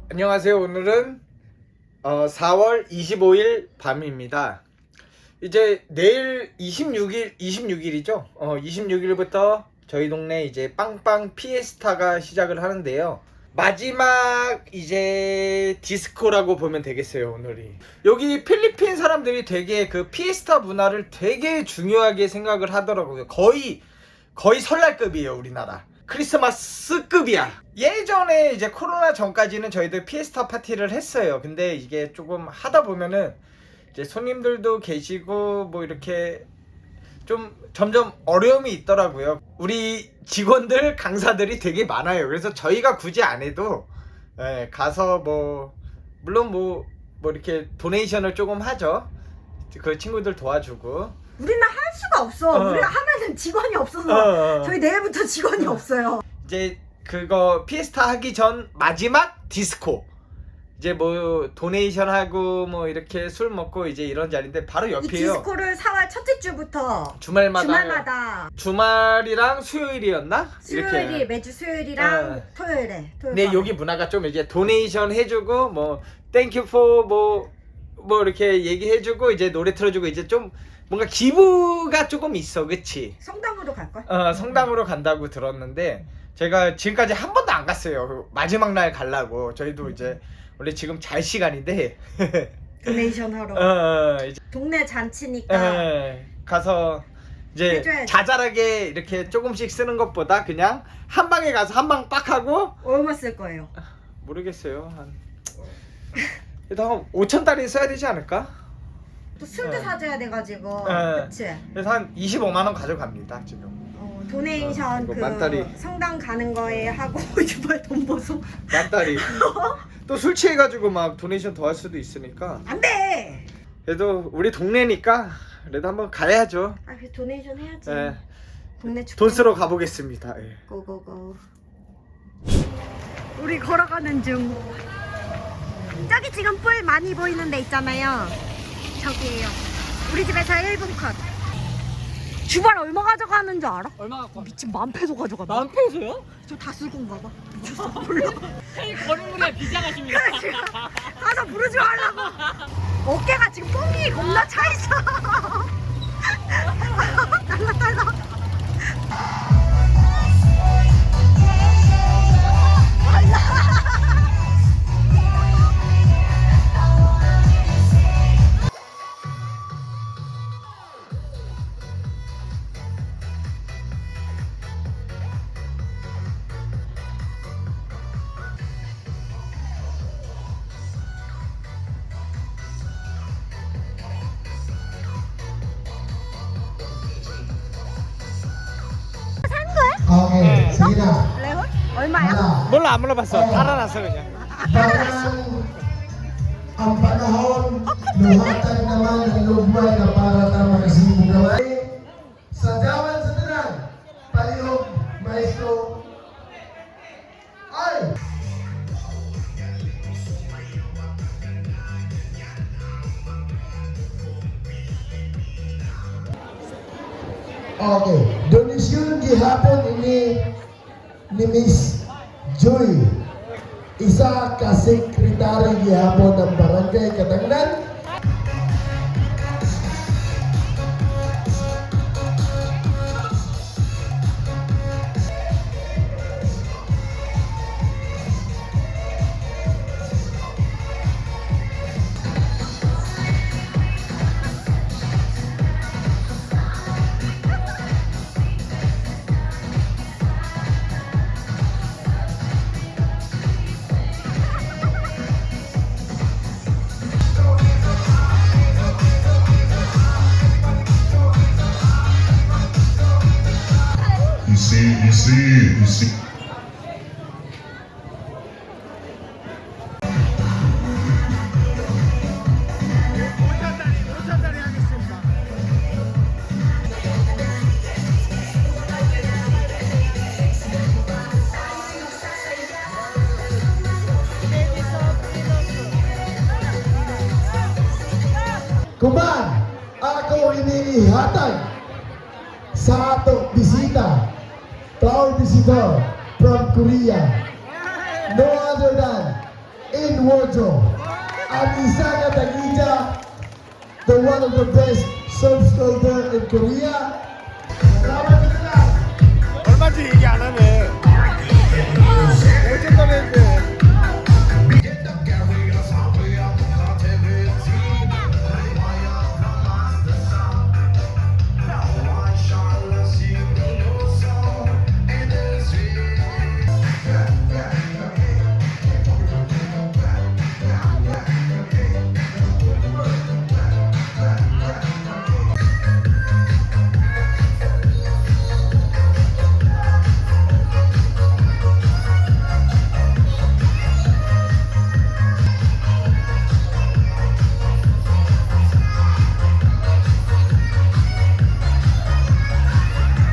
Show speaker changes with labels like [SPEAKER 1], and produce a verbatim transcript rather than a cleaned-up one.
[SPEAKER 1] 안녕하세요. 오늘은 어, 사월 이십오일 밤입니다. 이제 내일 이십육일 이십육일이죠. 어, 이십육일부터 저희 동네 이제 빵빵 피에스타가 시작을 하는데요. 마지막 이제 디스코라고 보면 되겠어요. 오늘이 여기 필리핀 사람들이 되게 그 피에스타 문화를 되게 중요하게 생각을 하더라고요. 거의 거의 설날급이에요. 우리나라 크리스마스급이야. 예전에 이제 코로나 전까지는 저희들 피에스타 파티를 했어요. 근데 이게 조금 하다 보면은 이제 손님들도 계시고 뭐 이렇게 좀 점점 어려움이 있더라고요. 우리 직원들 강사들이 되게 많아요. 그래서 저희가 굳이 안 해도 예, 가서 뭐 물론 뭐, 뭐 이렇게 도네이션을 조금 하죠. 그 친구들 도와주고.
[SPEAKER 2] 우리는 할 수가 없어.
[SPEAKER 1] 어.
[SPEAKER 2] 우리가 하면은 직원이 없어서
[SPEAKER 1] 어, 어.
[SPEAKER 2] 저희 내일부터 직원이 없어요.
[SPEAKER 1] 이제 그거 피에스타 하기 전 마지막 디스코. 이제 뭐 도네이션 하고 뭐 이렇게 술 먹고 이제 이런 자리인데 바로
[SPEAKER 2] 이
[SPEAKER 1] 옆이에요.
[SPEAKER 2] 디스코를 사월 첫째 주부터
[SPEAKER 1] 주말마다
[SPEAKER 2] 주말마다
[SPEAKER 1] 주말이랑 수요일이었나?
[SPEAKER 2] 수요일이 매주 수요일이랑
[SPEAKER 1] 어.
[SPEAKER 2] 토요일에 토요일
[SPEAKER 1] 근데
[SPEAKER 2] 밤에.
[SPEAKER 1] 여기 문화가 좀 이제 도네이션 해주고 뭐 땡큐 포 뭐 뭐 이렇게 얘기해주고 이제 노래 틀어주고 이제 좀 뭔가 기부가 조금 있어, 그치?
[SPEAKER 2] 성당으로 갈걸?
[SPEAKER 1] 어, 성당으로 간다고 들었는데 제가 지금까지 한 번도 안 갔어요. 그 마지막 날 가려고. 저희도 이제 원래 지금 잘 시간인데
[SPEAKER 2] 도네이션 하러
[SPEAKER 1] 어, 이제
[SPEAKER 2] 동네 잔치니까
[SPEAKER 1] 에, 가서 이제
[SPEAKER 2] 해줘야지.
[SPEAKER 1] 자잘하게 이렇게 조금씩 쓰는 것보다 그냥 한 방에 가서 한 방 빡 하고
[SPEAKER 2] 얼마 쓸 거예요?
[SPEAKER 1] 모르겠어요. 한 그래도 한 오천달이 써야 되지 않을까?
[SPEAKER 2] 또 술도
[SPEAKER 1] 어.
[SPEAKER 2] 사줘야 돼가지고
[SPEAKER 1] 어.
[SPEAKER 2] 그치?
[SPEAKER 1] 그래서 한 이십오만 원 가져갑니다 지금.
[SPEAKER 2] 어, 도네이션
[SPEAKER 1] 어, 이거
[SPEAKER 2] 그
[SPEAKER 1] 만다리.
[SPEAKER 2] 성당 가는 거에 하고 이발 돈 보소
[SPEAKER 1] 만달이. 또 술 취해가지고 막 도네이션 더 할 수도 있으니까.
[SPEAKER 2] 안돼.
[SPEAKER 1] 그래도 우리 동네니까 그래도 한번 가야죠.
[SPEAKER 2] 아, 그 도네이션 해야지.
[SPEAKER 1] 예.
[SPEAKER 2] 동네 축제.
[SPEAKER 1] 돈 쓰러 가보겠습니다. 예.
[SPEAKER 2] 고고고. 우리 걸어가는 중. 저기 지금 뿔 많이 보이는 데 있잖아요. 저기에요. 우리 집에서 일 분 컷. 주발 얼마 가져가는 줄 알아?
[SPEAKER 3] 얼마 갖고 왔어?
[SPEAKER 2] 미친 만 페소 가져가.
[SPEAKER 3] 만 페소요?
[SPEAKER 2] 저 다 쓸 건가 봐. 미쳤어. 몰라.
[SPEAKER 3] 헤이 걸음문에 비장하십니다.
[SPEAKER 2] 가서 부르지 말라고. 어깨가 지금 뽕이 겁나 차 있어. 달라 달라.
[SPEAKER 4] Oke, sige na.
[SPEAKER 2] 레몬? 얼마야?
[SPEAKER 4] Wala.
[SPEAKER 1] 몰라 안 물어봤어. 달아놨어 그냥.
[SPEAKER 4] Parang ang panahon, luhatag naman ng lugmay na para ta makasibong gaway. Sa jawan sa tanan, palihog, maestro. Ay! Okay, donasyon gihapon ini ni Miss Joy. Isa ka sekretary gihapon ng Barangay Katanglan.
[SPEAKER 5] You see, you see, you see.
[SPEAKER 4] Kuman, ako inihatag sa atong bisita, proud visitor from Korea, no other than in Wardrobe. At isa ka tagita, the one of the best surf sculptor in Korea. Salamat sa tanan.
[SPEAKER 1] 얼마인지 얘기 안 하네.